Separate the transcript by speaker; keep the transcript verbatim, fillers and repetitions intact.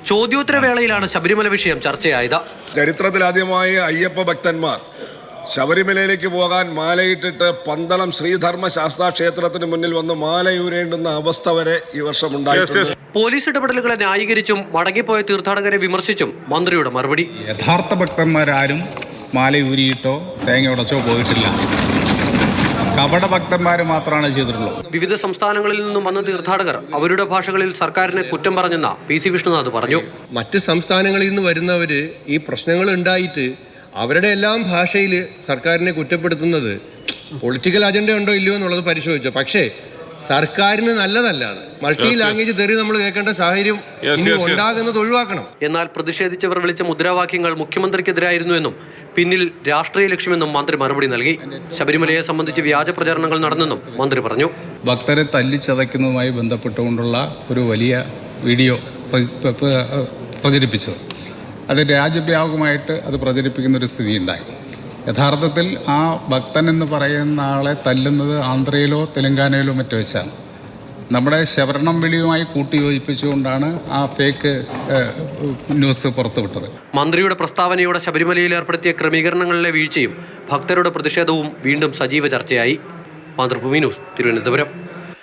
Speaker 1: ചോദ്യോത്തരവേളയിലാണ് ശബരിമല വിഷയം ചർച്ചയായത്.
Speaker 2: ചരിത്രത്തിലാദ്യമായി അയ്യപ്പ ഭക്തന്മാർ ശബരിമലയിലേക്ക് പോകാൻ മാലയിട്ടിട്ട് പന്തളം ശ്രീധർമ്മ ശാസ്താ ക്ഷേത്രത്തിന് മുന്നിൽ വന്ന് മാലയൂരേണ്ടുന്ന അവസ്ഥ വരെ ഈ വർഷം ഉണ്ടായിട്ടുണ്ട്.
Speaker 1: പോലീസ് ഇടപെടലുകളെ ന്യായീകരിച്ചും മടങ്ങിപ്പോയ തീർത്ഥാടകരെ വിമർശിച്ചും മന്ത്രിയുടെ മറുപടി:
Speaker 3: യഥാർത്ഥ ഭക്തന്മാരാരും മാലയൂരിയിട്ടോ തേങ്ങ ഉടച്ചോ പോയിട്ടില്ല. കപട ഭക്തന്മാർ മാത്രമാണ് ചെയ്തിട്ടുള്ളത്.
Speaker 1: വിവിധ സംസ്ഥാനങ്ങളിൽ നിന്നും വന്ന തീർത്ഥാടകർ അവരുടെ ഭാഷകളിൽ സർക്കാരിനെ കുറ്റം പറഞ്ഞെന്ന പി സി വിഷ്ണുനാഥ് പറഞ്ഞു.
Speaker 4: മറ്റ് സംസ്ഥാനങ്ങളിൽ നിന്ന് വരുന്നവര് ഈ പ്രശ്നങ്ങൾ ഉണ്ടായിട്ട് അവരുടെ എല്ലാം ഭാഷയിൽ സർക്കാരിനെ കുറ്റപ്പെടുത്തുന്നത് പൊളിറ്റിക്കൽ അജണ്ട ഉണ്ടോ ഇല്ലയോ എന്നുള്ളത് പരിശോധിച്ചു. പക്ഷേ സർക്കാരിന് നല്ലതല്ല. മൾട്ടി ലാംഗ്വേജ് തെറി നമ്മൾ കേൾക്കേണ്ട സാഹചര്യം ഉണ്ടാകുന്നത് ഒഴിവാക്കണം.
Speaker 1: എന്നാൽ പ്രതിഷേധിച്ചവർ വിളിച്ച മുദ്രാവാക്യങ്ങൾ മുഖ്യമന്ത്രിക്കെതിരായിരുന്നു എന്നും പിന്നിൽ രാഷ്ട്രീയ ലക്ഷ്യമെന്നും മന്ത്രി മറുപടി നൽകി. ശബരിമലയെ സംബന്ധിച്ച് വ്യാജ പ്രചാരണങ്ങൾ നടന്നെന്നും മന്ത്രി പറഞ്ഞു.
Speaker 3: ഭക്തരെ തല്ലിച്ചതയ്ക്കുന്നതുമായി ബന്ധപ്പെട്ടുകൊണ്ടുള്ള ഒരു വലിയ വീഡിയോ പ്രചരിപ്പിച്ചത്, അത് രാജ്യവ്യാപകമായിട്ട് അത് പ്രചരിപ്പിക്കുന്ന ഒരു സ്ഥിതി ഉണ്ടായി. യഥാർത്ഥത്തിൽ ആ ഭക്തൻ എന്ന് പറയുന്ന ആളെ തല്ലുന്നത് ആന്ധ്രയിലോ തെലങ്കാനയിലോ മറ്റോ വെച്ചാണ്. നമ്മുടെ ശവരണം വിളിയുമായി കൂട്ടിയോജിപ്പിച്ചുകൊണ്ടാണ് ആ ഫേക്ക് ന്യൂസ് പുറത്തുവിട്ടത്.
Speaker 1: മന്ത്രിയുടെ പ്രസ്താവനയോടെ ശബരിമലയിൽ ഏർപ്പെടുത്തിയ ക്രമീകരണങ്ങളിലെ വീഴ്ചയും ഭക്തരുടെ പ്രതിഷേധവും വീണ്ടും സജീവ ചർച്ചയായി. മാതൃഭൂമി ന്യൂസ്, തിരുവനന്തപുരം.